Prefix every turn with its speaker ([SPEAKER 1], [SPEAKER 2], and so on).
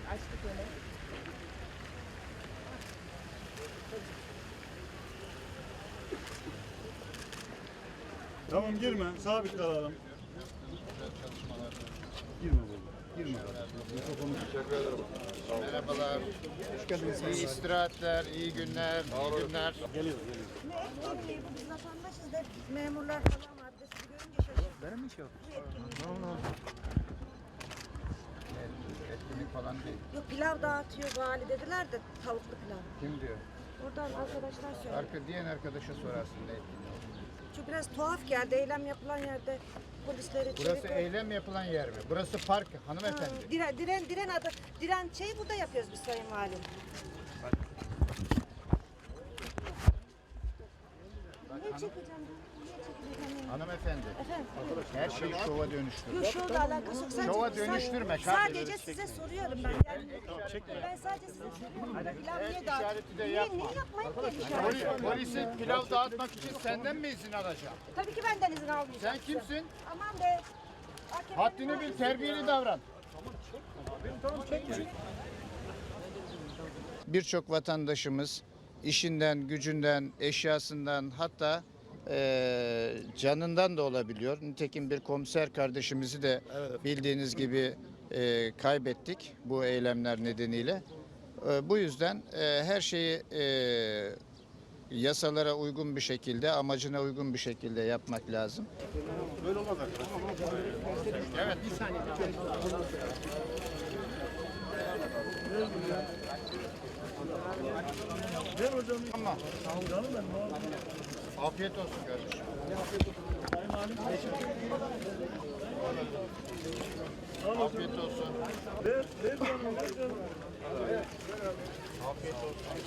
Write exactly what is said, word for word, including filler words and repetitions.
[SPEAKER 1] Açtık öyle.
[SPEAKER 2] Tamam girme, sabit kalalım. Girme böyle, girme.
[SPEAKER 3] Teşekkür ederim. Merhabalar. Hoş geldiniz. İyi istirahatler, iyi günler, iyi günler.
[SPEAKER 2] Geliyor, geliyor.
[SPEAKER 1] Ne etkinliği bu, biz vatandaşız da memurlar falan var. Bir de sizi görünce şaşırdık.
[SPEAKER 3] Benim mi şey yok?
[SPEAKER 1] Bu etkinlik.
[SPEAKER 3] Etkinlik falan değil.
[SPEAKER 1] Yok pilav dağıtıyor vali dediler de tavuklu pilav.
[SPEAKER 3] Kim diyor?
[SPEAKER 1] Oradan arkadaşlar söyledi.
[SPEAKER 3] Arka diyen arkadaşa sorarsın ne etkinliği.
[SPEAKER 1] Şu biraz tuhaf geldi. Eylem yapılan yerde polisleri
[SPEAKER 3] Burası
[SPEAKER 1] çevik-
[SPEAKER 3] eylem yapılan yer mi? Burası park hanımefendi.
[SPEAKER 1] Ha, Diren, diren, diren adı. Diren şeyi burada yapıyoruz biz sayın valim. Niye çekeceğim ben? Niye çekeceğim?
[SPEAKER 3] Hanımefendi.
[SPEAKER 1] Efendim?
[SPEAKER 3] Her şeyi şova dönüştür.
[SPEAKER 1] Yok şovla alakası yok. Sadece,
[SPEAKER 3] Şova dönüştürme
[SPEAKER 1] Sadece
[SPEAKER 3] kardeşim.
[SPEAKER 1] size soruyorum ben. Yani, ben sadece size soruyorum. Pilav
[SPEAKER 3] El
[SPEAKER 1] niye
[SPEAKER 3] işareti
[SPEAKER 1] dağıtıyorsun?
[SPEAKER 3] de
[SPEAKER 1] Niye,
[SPEAKER 3] yapma.
[SPEAKER 1] niye yapmayın ki el işareti?
[SPEAKER 3] Poli- Polisi pilav dağıtmak için senden mi izin alacağım?
[SPEAKER 1] Tabii ki benden izin almayacağım.
[SPEAKER 3] Sen kimsin?
[SPEAKER 1] Aman be. A K P'nin
[SPEAKER 3] Haddini bil, terbiyeli davran. Birçok vatandaşımız işinden, gücünden, eşyasından hatta eee, canından da olabiliyor. Nitekim bir komiser kardeşimizi de bildiğiniz gibi eee, kaybettik bu eylemler nedeniyle. Eee, bu yüzden eee, her şeyi eee, yasalara uygun bir şekilde, amacına uygun bir şekilde yapmak lazım.
[SPEAKER 2] Böyle olmaz arkadaşlar.
[SPEAKER 3] Evet.
[SPEAKER 2] Ver hocam.
[SPEAKER 3] Tamam.
[SPEAKER 2] Canım benim abi.
[SPEAKER 3] Afiyet olsun kardeşim.
[SPEAKER 2] Sayın Halim.
[SPEAKER 3] Afiyet olsun.
[SPEAKER 2] Ver, ver canım, ver canım.
[SPEAKER 3] Afiyet olsun.